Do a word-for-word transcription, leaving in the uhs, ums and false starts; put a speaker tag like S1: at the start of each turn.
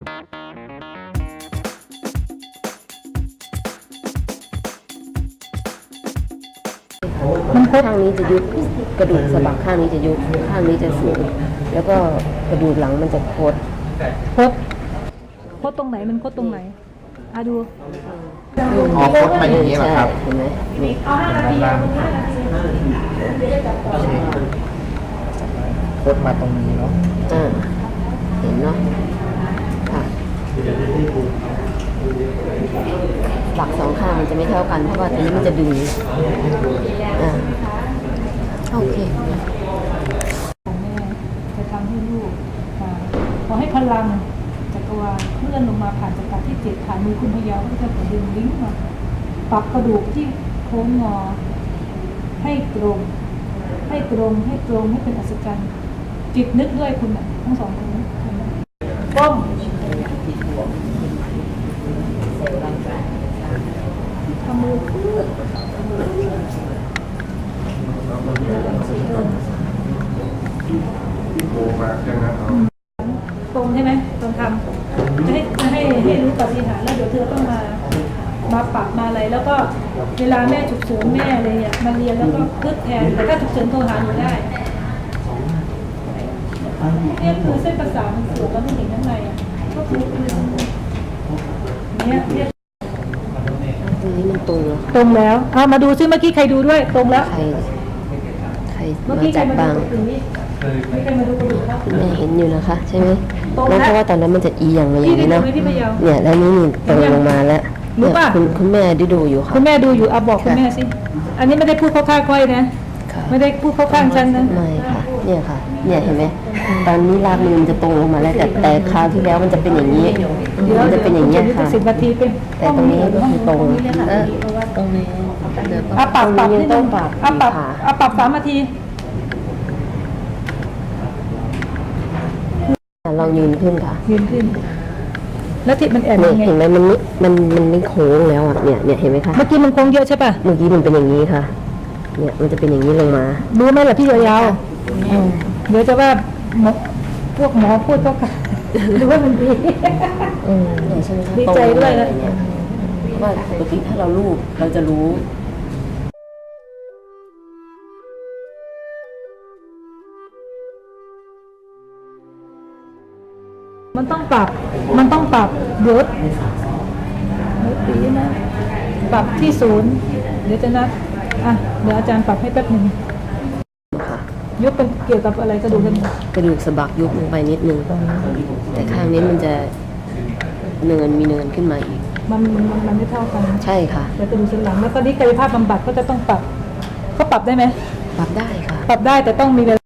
S1: มันข้างนี้จะยุบกระดูกสะบักข้างนี้จะยุบข้างนี้จะสูงแล้วก็กระดูกหลังมันจะโคด
S2: โคดโคดตรงไหนมันโคดตรงไหนอ่ะดู
S3: อ๋อโคดมาอย่างนี้เหรอครับ
S1: เห็นไหมนี่
S3: โคดมาตรงนี้เนาะ
S1: อ่าเห็นเนาะค่ะหลักสองข้างมันจะไม่เท่ากันเพราะว่าตรงนี้มันจะดึงอ่าโอเค
S2: แม่จะทำให้ลูกขอให้พลังจักรวาลเคลื่อนลงมาผ่านจักรที่เจ็ดผ่านมือคุณพยาวที่จะดึงลิงก์มาปรับกระดูกที่โค้งงอให้ตรงให้ตรงให้ตรงให้เป็นอัศจรรย์จิตนึกด้วยคุณอ่ะทั้งสองคนนี้ก้มทำมือตรงใช่ไหมตรงทำจะให้จะให้ให้รู้ปฏิหารแล้วเดี๋ยวเธอต้องมามาปรับมาอะไรแล้วก็เวลาแม่ฉุกเฉินแม่อะไรเนี่ยมาเรียนแล้วก็พึกแทนแต่ถ้าฉุกเฉินโทรหาหนูได้เนี่ยคือเส้นประสาทมันเสื่อมแล้วไม่เห็นข้างในอ่ะก็คือคือเนี่ยเนี่ย
S1: ตรงนี้มันตรงแล้ว
S2: ตรงแล้วเอามาดูซิเมื่อกี้ใครดูด้วยตรงแล้ว
S1: ใครใคร
S2: เมื่อ
S1: มา
S2: กี้ใคร
S1: จับ
S2: มา
S1: บ้าง
S2: ดูตรงนี้ไม่ใครมาดูกระดูกครับ
S1: แม่เห็นอยู่นะคะใช่ไหมแล้วเพราะว่าตอนนั้นมันจะอีอย่างมาอย่างนี้เนาะเนี่ยแล้วนี่นี่ตรงลงมาแล้วเนี่ยคุณคุณแม่ได้ดูอยู่ค่ะ
S2: คุณแม่ดูอยู่เอาบอกคุณแม่สิอันนี้ไม่ได้พูดเข้าข้างค่อยนะไม่ได้พูดเข้าข้างฉันนะ
S1: ไม่ค่ะเนี่ยค่ะเนี่ยเห็นไหมตอนนี้รากมือมันจะตรงลงมาแล้วแต่แต่คราวที่แล้วมันจะเป็นอย่างนี้มันจะเป็นอย่างนี้ค่ะ
S2: สิบนาทีเป็น
S1: แต่ตรงนี้ก็คือตรงเออตรงนี้
S2: อ่ะปรับปรับนิดนึง
S1: ปรับ
S2: อ่ะปรับอ่ะปรับสามนาที
S1: ลองยืนขึ้นค่ะ
S2: ยืนขึ้นแล้วที่มันแอน
S1: เนี่ย
S2: ยังไง
S1: เห็นไหมมันมันมันไม่โค้งแล้วอ่ะเนี่ยเนี่ยเห็นไหมคะ
S2: เมื่อกี้มันโค้งเยอะใช่ป่ะ
S1: เมื่อกี้มันเป็นอย่างนี้ค่ะเนี่ยมันจะเป็นอย่างนี้ลงมา
S2: รู้ไหมล่ะพี่ยาวๆเดี๋ยวจะว่าพวกหมอพูดก็ค่ะหรือว่ามันดี
S1: อืมเนี่ยใช่ไหมคะ
S2: ดีใจด้วยนะ
S1: ว่าปกติถ้าเราลูบเราจะรู้
S2: มันต้องปรับมันต้องปรับเดี๋ยวเดี๋ยวปีนะปรับที่ศูนย์เดี๋ยวจะนัดอ่ะเดี๋ยวอาจารย์ปรับให้แป๊บหนึ่งยุบเป็นเกี่ยวกับอะไรกระดูกกัน
S1: กระดูกสะบักยุบลงไปนิดนึงแต่ข้างนี้มันจะเนินมีเนินขึ้นมาอีก
S2: มันมันมันไม่เท่ากัน
S1: ใช่ค่ะ
S2: แต่กระดูกสันหลังแล้วตอนนี้กายภาพบำบัดก็จะต้องปรับเขาปรับได้ไหม
S1: ปรับได้ค่ะ
S2: ปรับได้แต่ต้องมีเวลา